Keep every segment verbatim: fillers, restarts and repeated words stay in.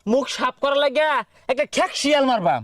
মুখ সাফ করার লাগিয়া একটা খ্যাক শিয়াল মারবাম।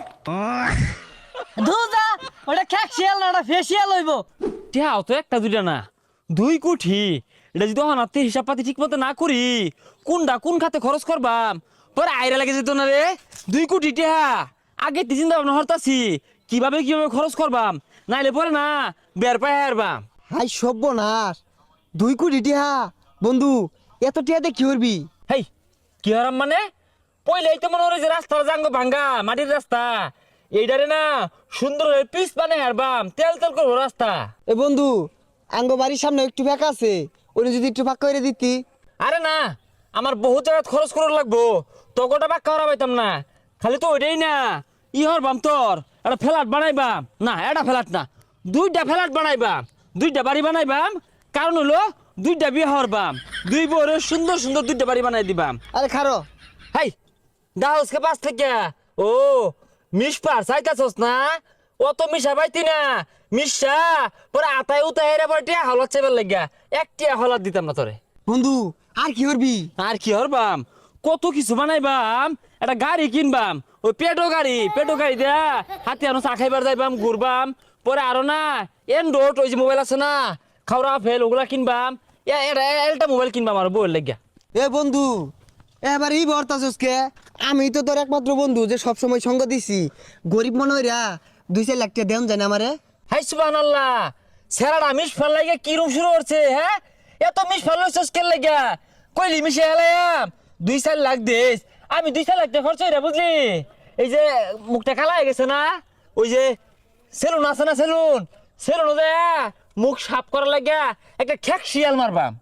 ধুজা ওটা খ্যাকশিয়াল না ওটা ফেসিয়াল হইব। টিহাও তো একটা দুইটা না, দুই কোটি। এটা যদি হনাতে হিসাব পাতি ঠিক মতো না করি, কোনটা কোন খাতে খরচ করবাম পরে আইরা লাগে যেত না রে। দুই কোটি টিহা আগে তি চিন্তা ভাবনা হরতাছি কিভাবে কিভাবে খরচ করবাম, নাইলে পরে না বের পায় হারবাম। হাই সর্বনাশ, দুই কোটি টিহা বন্ধু, এত টিহাতে কি করবি? হেই কি হারাম মানে, পয়লাই তো মনে হয় যে রাস্তার জাঙ্গ ভাঙ্গা মাটির রাস্তা, এইটারে না সুন্দর হয়ে পিচ বানাই হারবাম, তেল তেল করবো রাস্তা। এ বন্ধু, আঙ্গ বাড়ির সামনে একটু ফাঁকা আছে, ওটা যদি একটু ফাঁকা করে দিতি। আরে না, আমার বহুত জায়গায় খরচ করার লাগবো, তকটা বাক্কা হারা পাইতাম না। খালি তো ওইটাই না, ই হরবাম তোর একটা ফ্ল্যাট বানাইবাম, না এটা ফ্ল্যাট না, দুইটা ফ্ল্যাট বানাইবাম, দুইটা বাড়ি বানাইবাম। কারণ হলো দুইটা বিয়ে হরবাম, দুই বউরে সুন্দর সুন্দর দুইটা বাড়ি বানাই দিবাম। আরে খারো, হাই দাহসকে পাঁচ থেকে ও মিস পার চাইতাছস না, অত মিশা পাইতি না, মিশা পরে আতায় উতায় এর পরে টিয়া হলাত চাইবার লাগিয়া এক টিয়া হলাত দিতাম না তোরে। বন্ধু আর কি করবি? আর কি হরবাম, কত কিছু বানাইবাম, একটা গাড়ি কিনবাম, ওই পেটো গাড়ি, পেটো গাড়ি দেয়া হাতে আনো চা খাইবার যাইবাম, ঘুরবাম। পরে আরো না এন্ড্রয়েড ওই যে মোবাইল আছে না, খাওয়া ফেল ওগুলা কিনবাম, একটা মোবাইল কিনবাম আর বউয়ের লাগিয়া। এ বন্ধু, এবার এই বর্তাছসকে, আমি তো তোর একমাত্র বন্ধু যে সবসময় সঙ্গ দিছি, গরিব মনে হইরা দুই চার লাখ টাকা দেন যায় না আমারে। হাই সুবহানাল্লাহ, সেরাটা মিস ফেল লাগে কি রুম শুরু করছে, হ্যাঁ এত মিস ফেল হইছস কেন লাগা, কইলি মিশে হেলাম দুই চার লাখ দিস, আমি দুই চার লাখ টাকা খরচ হইরা বুঝলি। এই যে মুখটা কালা হয়ে গেছে না, ওই যে সেলুন আছে না, সেলুন সেলুন যে মুখ সাফ করার লাগিয়া একটা খ্যাক শিয়াল মারবাম।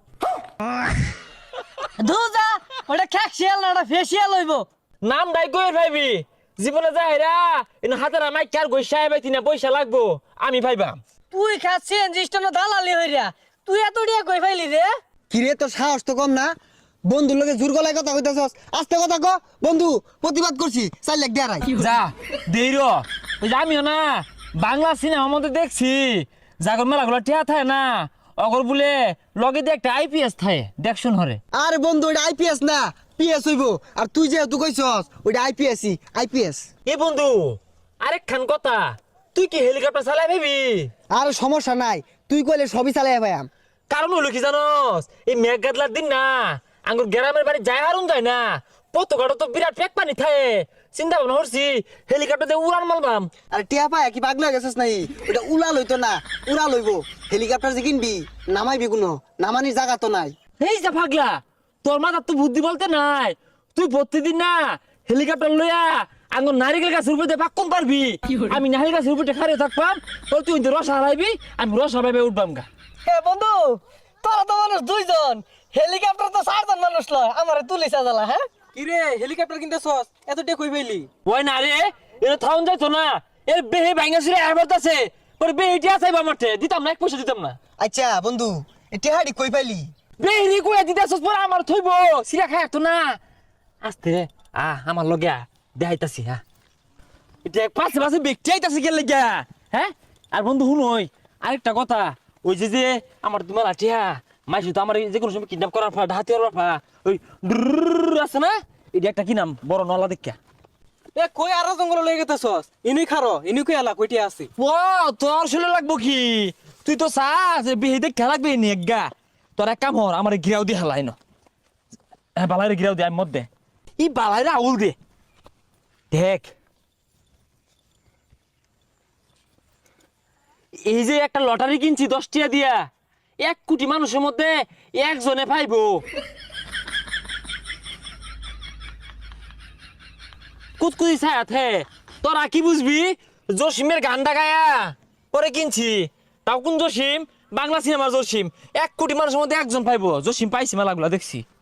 ধুজা ওটা খ্যাকশিয়াল না ওটা ফেসিয়াল হইব। নাম ডাই কই ভাইবি, জীবনে যাই রা ইন হাতে না মাই কার গই সাহেব তিনা পয়সা লাগবো আমি ভাইবাম। তুই খাচ্ছেন জিস্টন দালালি হইরা, তুই এত ডিয়া কই ফাইলি রে? কিরে তোর সাহস তো কম না, বন্ধুর লগে জোর গলায় কথা কইতাছস, আস্তে কথা ক। বন্ধু প্রতিবাদ করছি, চার লাখ দেয়া রাই। যা দেই র, ওই যে আমিও না বাংলা সিনেমার মধ্যে দেখছি জাগর মেলাগুলো টিয়া থাকে না, অগর বলে লগে দিয়ে একটা আইপিএস থাকে দেখছুন হরে। আরে বন্ধু ওটা আইপিএস না, পিএস হইব। আর তুই যেহেতু কইছস ওটা আইপিএসই, আইপিএস। এ বন্ধু আরেক খান কথা, তুই কি হেলিকপ্টার চালাই ভাবি? আর সমস্যা নাই, তুই কইলে সবই চালাই ভাইয়াম। কারণ হলো কি জানস, এই মেঘ গাদলার দিন না আঙ্গুর গ্রামের বাড়ি যায় হারুন যায় না, পতকাটা তো বিরাট পেক পানি থাকে, চিন্তা ভাবনা করছি হেলিকপ্টার দিয়ে উড়ান মারবাম। আরে টিয়া পায় কি পাগলা গেছিস নাই? ওটা উড়া লইতো না, উড়া লইব। হেলিকপ্টার যে কিনবি নামাইবি কোনো, নামানির জায়গা তো নাই। এই যা পাগলা, তোর মাথার তো বুদ্ধি বলতে নাই, তুই প্রতিদিন না হেলিকপ্টার লইয়া আঙ্গুর নারিকেল গাছের উপরে দিয়ে পাক্কন পারবি, আমি নারিকেল গাছের উপরে খারে থাকবাম, তোর তুই রস হারাইবি, আমি রস হারাইবে উঠবাম গা। হে বন্ধু, তোরা তো মানুষ দুইজন, হেলিকপ্টার তো চারজন মানুষ লয়, আমারে তুলি সাজালা। হ্যাঁ কিরে হেলিকপ্টার কিনতেছস, এত টেক কই পাইলি? ওই না রে, এটা থাউন যাইতো না, এর বেহে ভাঙ্গা ছিঁড়ে আইবারতাছে, পরে বেহেটি আসাইবা মাঠে, দিতাম না এক পয়সা দিতাম না। আচ্ছা বন্ধু, এ টেহাড়ি কই পাইলি? বেহেরি কইয়া দিতাছস পরে আমার থইব, সিরা খায় তো না। আস্তে রে, আ আমার লগে আ, দেখাইতাছি হ্যাঁ। এটা পাশে পাশে ব্যক্তি আইতাছে গেলে গা, হ্যাঁ। আর বন্ধু শুনই আরেকটা কথা, ওই যে যে আমার তোমার আঠিয়া মাইসি তো আমার যে কোনো সময় কিডন্যাপ করার ফা হাতি করার ফা ওই ড্রুর আছে না, এটা একটা কি নাম বড় নলা দেখা। এ কই আরো জঙ্গল লয়ে গেতেছস? ইনি খারো, ইনি কই আলা কইটি আছে? ও তোর শুনে লাগবো কি, তুই তো চাস বেহে দেখা লাগবে নি গা, তোর এক কাম হর আমার গিরাও দিয়ে হালাই ন, হ্যাঁ বালাইরে গিরাও দে আমি মধ্যে ই বালাইরে আউল দে দেখ। এই যে একটা লটারি কিনছি দশ টিয়া দিয়া, এক কোটি মানুষের মধ্যে একজনে পাইবো। কুতকুতি ছায়াতে তোরা কি বুঝবি, জসিমের গানটা গায়া পরে কিনছি, তাও কোন জসিম, বাংলা সিনেমার জসিম, এক কোটি মানুষের মধ্যে একজন পাইবো, জসিম পাইছি মেলাগুলা দেখছি।